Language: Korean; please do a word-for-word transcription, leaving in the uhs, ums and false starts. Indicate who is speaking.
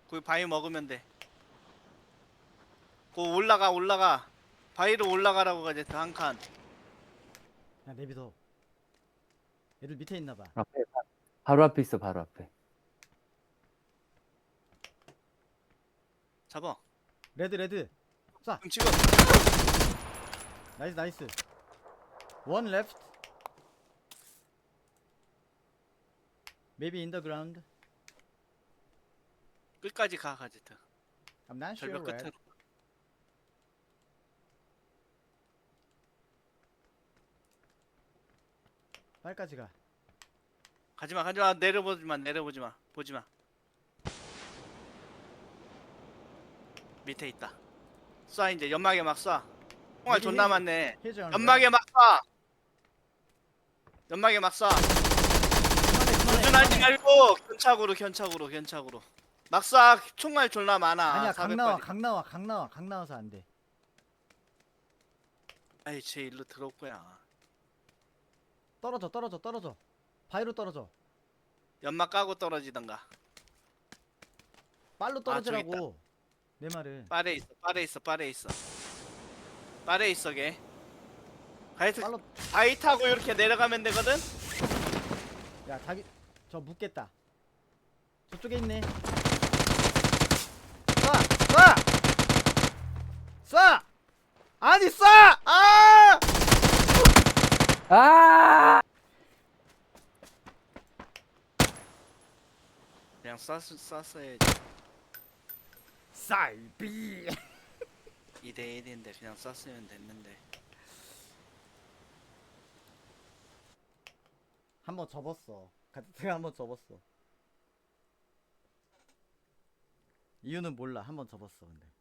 Speaker 1: 그 바위 먹으면 돼. 그 올라가 올라가. 바위로 올라가라고 가지 한 칸.
Speaker 2: 야 내비둬. 얘들 밑에 있나봐.
Speaker 3: 앞에 바- 바로 앞에 있어 바로 앞에.
Speaker 1: 잡아.
Speaker 2: 레드 레드. 쏴.
Speaker 1: 지금 지금.
Speaker 2: 나이스 나이스. 원 레프트. Maybe in the ground.
Speaker 1: 끝까지 가 가지트.
Speaker 2: I'm not sure.
Speaker 1: 절벽
Speaker 2: Red.
Speaker 1: 끝으로.
Speaker 2: 빨까지 가.
Speaker 1: 가지마 가지마 내려보지마 내려보지마 보지마. 밑에 있다. 쏴 이제 연막에 막 쏴. 총알
Speaker 2: 여기
Speaker 1: 존나
Speaker 2: 헤이즈-
Speaker 1: 많네.
Speaker 2: 헤이즈 on
Speaker 1: 연막에
Speaker 2: red.
Speaker 1: 막 쏴. 연막에 막 쏴.
Speaker 2: 그만해 그만해.
Speaker 1: 도전하지 말고 견착으로 견착으로 견착으로. 막 쏴. 총알 존나 많아.
Speaker 2: 아니야 각 나와
Speaker 1: 사백 발이.
Speaker 2: 각 나와 각 나와 각 나와서 안 돼.
Speaker 1: 아이 쟤 일로 들어올 거야.
Speaker 2: 떨어져 떨어져 떨어져. 바위로 떨어져.
Speaker 1: 연막 까고 떨어지던가.
Speaker 2: 빨로
Speaker 1: 아, 저기
Speaker 2: 떨어지라고. 내 말은.
Speaker 1: 빠레 있어 빠레 있어 빠레 있어. 빠레 있어 걔. 하여튼
Speaker 2: 빨로.
Speaker 1: 바위 타고 이렇게 내려가면 되거든.
Speaker 2: 야 자기 저 묻겠다. 저쪽에 있네. 쏴! 쏴! 쏴! 아니 쏴! 아!
Speaker 3: 아!
Speaker 1: 그냥 쐈 쐈어야지.
Speaker 2: 쌀비.
Speaker 1: 이 대 일인데 그냥 쐈으면 됐는데.
Speaker 2: 한번 접었어. 가트가 한번 접었어. 이유는 몰라. 한번 접었어 근데.